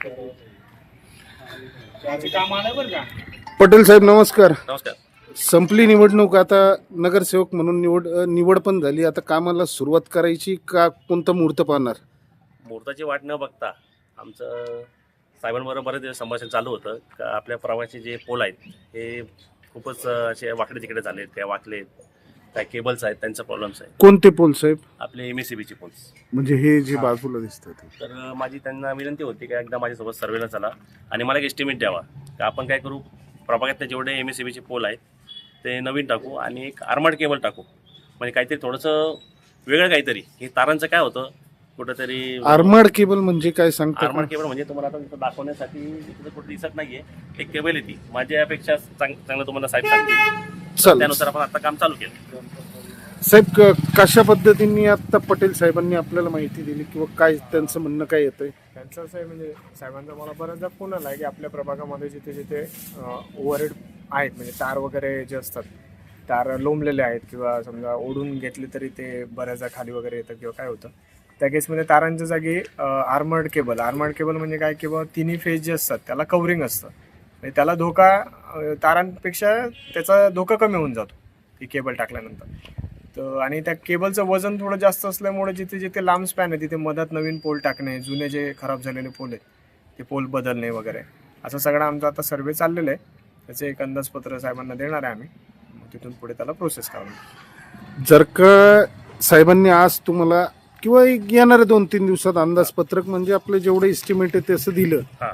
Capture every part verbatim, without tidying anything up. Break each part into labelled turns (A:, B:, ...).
A: पटेल साहेब नमस्कार.
B: नमस्कार.
A: संपली निवडणूक, आता नगरसेवक म्हणून निवड निवड पण झाली. आता कामाला सुरुवात करायची का कोणता मुहूर्त पाहणार?
B: मुहूर्ताची वाट न बघता आमचं साहेबांबरोबर बरेच दिवस संभाषण चालू होतं का आपल्या प्रवासी जे पोल आहेत हे खूपच असे वाकडे तिकडे झालेत, त्या वाकलेत, काय केबल्स आहेत त्यांचा प्रॉब्लेम्स आहे.
A: कोणते पोल साहेब?
B: आपले एम एस सी बीचे पोल्स.
A: म्हणजे हे जे बाजूला दिसतात.
B: तर माझी त्यांना विनंती होती की एकदा माझ्यासोबत सर्वेला चला आणि मला एक एस्टिमेट द्यावा का आपण काय करू, प्रभागातले जेवढे एम एस सी बीचे पोल आहेत ते नवीन टाकू आणि एक आर्मर्ड केबल टाकू. म्हणजे काहीतरी थोडंसं वेगळं काहीतरी. हे तारांचं काय होतं कुठंतरी.
A: आर्मर्ड केबल म्हणजे काय सांगता?
B: आर्मर्ड केबल म्हणजे तुम्हाला आता इथं दाखवण्यासाठी इथं कुठं दिसत नाहीये, एक केबल येते माझ्यापेक्षा चांग चांगलं तुम्हाला साहेब सांगतील.
A: चल
B: त्यानुसार आपण आता काम चालू केलं.
A: साहेब, क- कशा पद्धतीने आता पटेल साहेबांनी आपल्याला माहिती दिली किंवा काय त्यांचं म्हणणं काय येतंय?
C: त्यांचं असं आहे, म्हणजे साहेबांचा मला बऱ्याचदा फोन आला आहे की आपल्या प्रभागामध्ये जिथे जिथे ओव्हरहेड आहेत, म्हणजे तार वगैरे जे असतात, तार लोंबलेले आहेत किंवा समजा ओढून घेतले तरी ते बऱ्याचदा खाली वगैरे येतं किंवा काय होतं, त्या केसमध्ये तारांच्या जागी आर्मर्ड केबल. आर्मर्ड केबल म्हणजे काय, किंवा तिन्ही फेज जे असतात त्याला कवरिंग असतं, म्हणजे त्याला धोका अ, तारांपेक्षा त्याचा धोका कमी होऊन जातो ती केबल टाकल्यानंतर. तर आणि त्या केबलचं वजन थोडं जास्त असल्यामुळे जिथे जिथे लांब स्पॅन आहे तिथे मधात नवीन पोल टाकणे, जुने जे खराब झालेले पोल आहेत ते पोल बदलणे वगैरे, असं सगळं आमचा आता सर्वे चाललेलं आहे. त्याचे एक अंदाजपत्र साहेबांना देणार आहे आम्ही, मग तिथून पुढे त्याला प्रोसेस करावी.
A: जर का साहेबांनी आज तुम्हाला किंवा एक येणाऱ्या दोन तीन दिवसात अंदाजपत्रक म्हणजे आपलं जेवढं एस्टिमेट आहे तसं दिलं,
B: हां,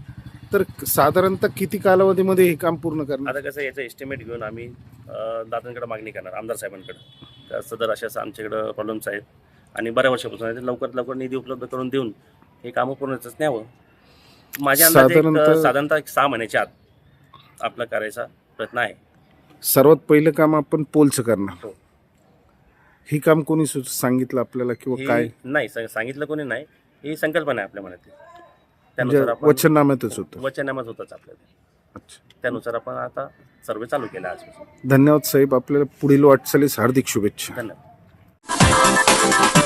A: तर साधारणतः किती कालावधीमध्ये हे काम पूर्ण करणार?
B: आता कसं याचं एस्टिमेट घेऊन आम्ही दादांकडे मागणी करणार, आमदार साहेबांकडे. तर सदर अशा असं आमच्याकडं प्रॉब्लेम्स आहेत आणि बऱ्या वर्षापासून आहे, ते लवकरात लवकर निधी उपलब्ध करून देऊन हे कामं पूर्णच न्यावं. माझ्या अंदाजे एक,
A: साधारणतः-
B: साधारणतः एक सहा महिन्याच्या आत आपला करायचा प्रयत्न आहे.
A: सर्वात पहिलं काम आपण पोलचं करणार.
B: हो.
A: हे काम कोणी सु- सांगितलं आपल्याला किंवा
B: हे
A: काय?
B: नाही सा- सांगितलं कोणी नाही, ही संकल्पना आहे आपल्या मनातली.
A: म्हणजे
B: त्यानुसार आपण
A: वचननाम्यातच होतं.
B: वचननामाच होताच आपल्याला.
A: अच्छा,
B: त्यानुसार आपण आता सर्वे चालू केला आजपासून.
A: धन्यवाद साहेब. आपल्याला पुढील वाटचालीस हार्दिक शुभेच्छा.
B: धन्यवाद.